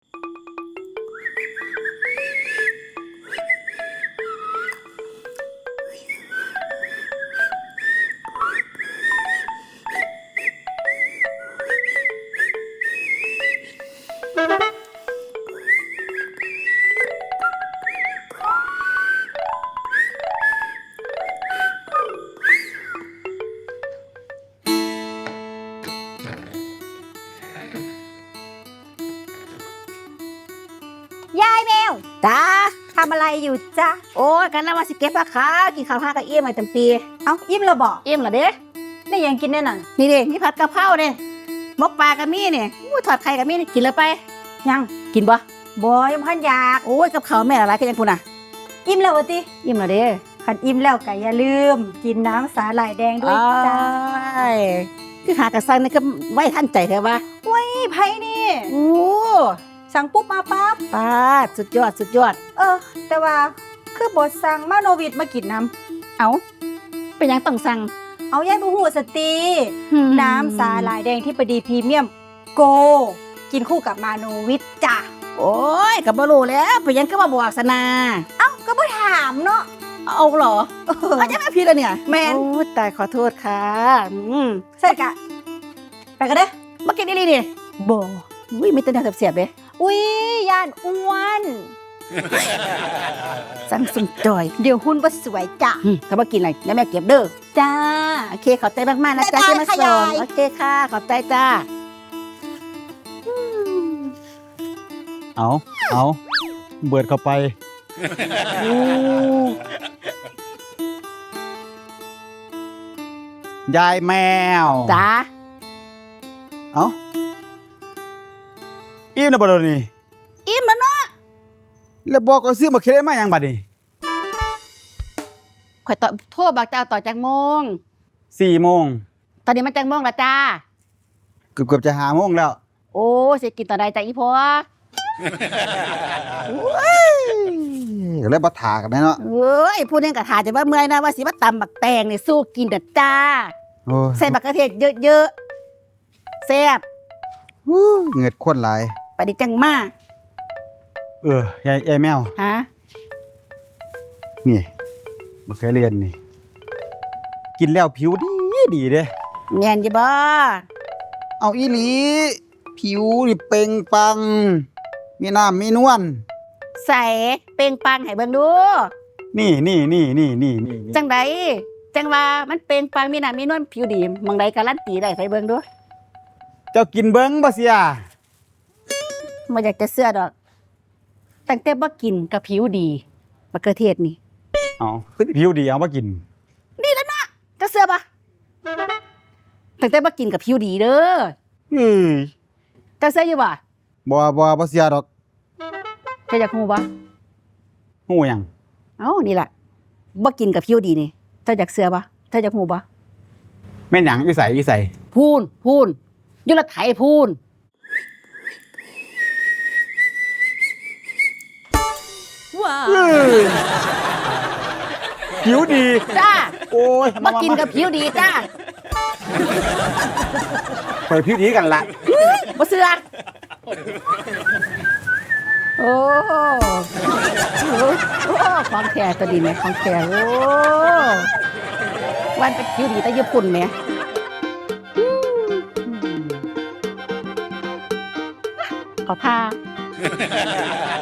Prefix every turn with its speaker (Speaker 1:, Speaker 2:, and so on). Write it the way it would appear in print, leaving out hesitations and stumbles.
Speaker 1: ยายแมว
Speaker 2: จ้า
Speaker 1: ทำอะไรอยู่จ๊ะ
Speaker 2: โอ้ยกันแล้วว่าสิเก็บราคากินข้าวห้ากับเอี้ยมมาเต็มปี
Speaker 1: เอ้าอิ่มแล้วบอก
Speaker 2: เอี้ยมเหรอเด้
Speaker 1: ได้ยังกินแน่นอน
Speaker 2: นี่เด้นี่ผัดกะเพราเด้หมกปลากับมี่เนี่ยทอดไข่กับมี่นี่กินเลยไป
Speaker 1: ยัง
Speaker 2: กินบ่
Speaker 1: บอยยังพันอยาก
Speaker 2: โอ้ยกับข้าวแม่อะไรกันยังพูน่ะ
Speaker 1: อิ่มแล้ววะติ
Speaker 2: เอี้ยมเหรอเด้
Speaker 1: ขันอิ่มแล้วก็อย่าลืม กินน้ำสาหร่ายแดงด้วยจ้า
Speaker 2: อ้ายคือหากระซังนี่ก็ไว้ท่านใจแท้ว่า
Speaker 1: นี่ไพ่นี่
Speaker 2: โอ้
Speaker 1: สั่งปุ๊บมาปั๊บ
Speaker 2: ป้าดสุดยอดสุดยอด
Speaker 1: แต่ว่าคือบทสั่งมาโนวิดมากินน้
Speaker 2: เอาเป็นหยังต้องสั่ง
Speaker 1: ำเอายายบูฮูสตีน้ำสาหร่ายแดงที่ปดีพรีเมียมโก กินคู่กับมาโนวิดจ้ะ
Speaker 2: โอ้ยกับบ่รู้แล้วเป็นหยังก็มาบอกสนา
Speaker 1: ก็บ่ถามเนาะ
Speaker 2: เอาเหรอเอาจะมาพี่แล้วเนี่ย
Speaker 1: แมน
Speaker 2: โอ้ยตายขอโทษค่ะ
Speaker 1: ใส่กะไปกันเด้อ
Speaker 2: มากินนี่นี่
Speaker 1: บ่
Speaker 2: อุ้ยมีแต่แนวเสียบๆเลย
Speaker 1: อุ้ยย่านอ้วน
Speaker 2: สั่งสุ่มจอย
Speaker 1: เดี๋ยวหุ่นบ่สวยจ้ะ
Speaker 2: ถ้ามากินอะไรแล้วแม่เก็บเด้อ
Speaker 1: จ้า
Speaker 2: โอเคขอบใจมากๆนะจ๊ะ
Speaker 1: บ๊ายบาย
Speaker 2: ที่มา
Speaker 1: ค่ะ
Speaker 2: ส่ง
Speaker 1: ยาย
Speaker 2: โอเคค่ะขอบใจจ้า
Speaker 3: เอาเบิดเข้าไปยายแมว
Speaker 2: จ้า
Speaker 3: เอาอิ่มแล้วบ่เดยวนี่
Speaker 2: อิ่มแล้วเนาะ
Speaker 3: แล้วบอกก็ซื้อมาเค็ดมาหยังบัดนี้
Speaker 2: ข่อยต่อโทรบอกเจ้าต่อจากโมง
Speaker 3: 4 โมง
Speaker 2: ตอนนี้มันจากโมงละจ้า
Speaker 3: เกือบจะ5 โมงแล้ว
Speaker 2: โอ้สิกินตอนใดจ้าอีพ่อ
Speaker 3: ก็เลยบ่ถากันแน่เนาะ
Speaker 2: เอ้ยพูดเรื่องกระถาจะว่าเมื่อยนะว่าสิมาตำบักแตงนี่สู้กินเด้อจ้า
Speaker 3: โอ้ย
Speaker 2: ใส่บักกระเทศเยอะๆแซ่บ
Speaker 3: เหงือดข้นหลาย
Speaker 2: ไปดิจังมาก
Speaker 3: ยายแมว
Speaker 2: ฮะ
Speaker 3: นี่บ่เคยเรียนนี่ กินแล้วผิวดีเด้
Speaker 2: แม่นอยู่บ่
Speaker 3: เอาอีหลี ผิวนี่เปล่งปลัง มีน้ำมีนวล
Speaker 2: ใส่เปล่งปลังให้เบิ่งดู
Speaker 3: นี่
Speaker 2: จังใดจังว่ามันเปล่งปลังมีน้ำมีนวลผิวดีหมองใดการันตีได้ไปเบิ่งดู
Speaker 3: เจ้ากินเบิ้งบ่เสีย
Speaker 2: บ่อยากจะเชื่อดอกตั้งแต่บ่กินกับผิวดีบักกระเทศนี่
Speaker 3: เอาคือผิวดีเอามากิน
Speaker 2: จะเชื่อปะตั้งแต่บ่กินกับผิวดีเด้อ
Speaker 3: อือ
Speaker 2: จะเชื่ออยู่บ่
Speaker 3: บ่เสียดอก
Speaker 2: จะอยากฮู้บ่
Speaker 3: ฮู้หยัง
Speaker 2: เอ้านี่ล่ะบ่กินกับผิวดีนี่เจ้าอยากเชื่อบ่เจ้าอยากฮู้บ่
Speaker 3: แม่นหยังอีใส่
Speaker 2: พูนอยู่ละไถพูน
Speaker 3: ผิวดี
Speaker 2: จ้า
Speaker 3: โอ้ย
Speaker 2: บ่กินกับผิวดีจ้า
Speaker 3: ไปผิวดีกันละ
Speaker 2: บ่เชื่อโอ้ของแท้ตัวดีแม่ของแท้โอ้วันเป็นผิวดีแต่ญี่ปุ่นแม่ขอพา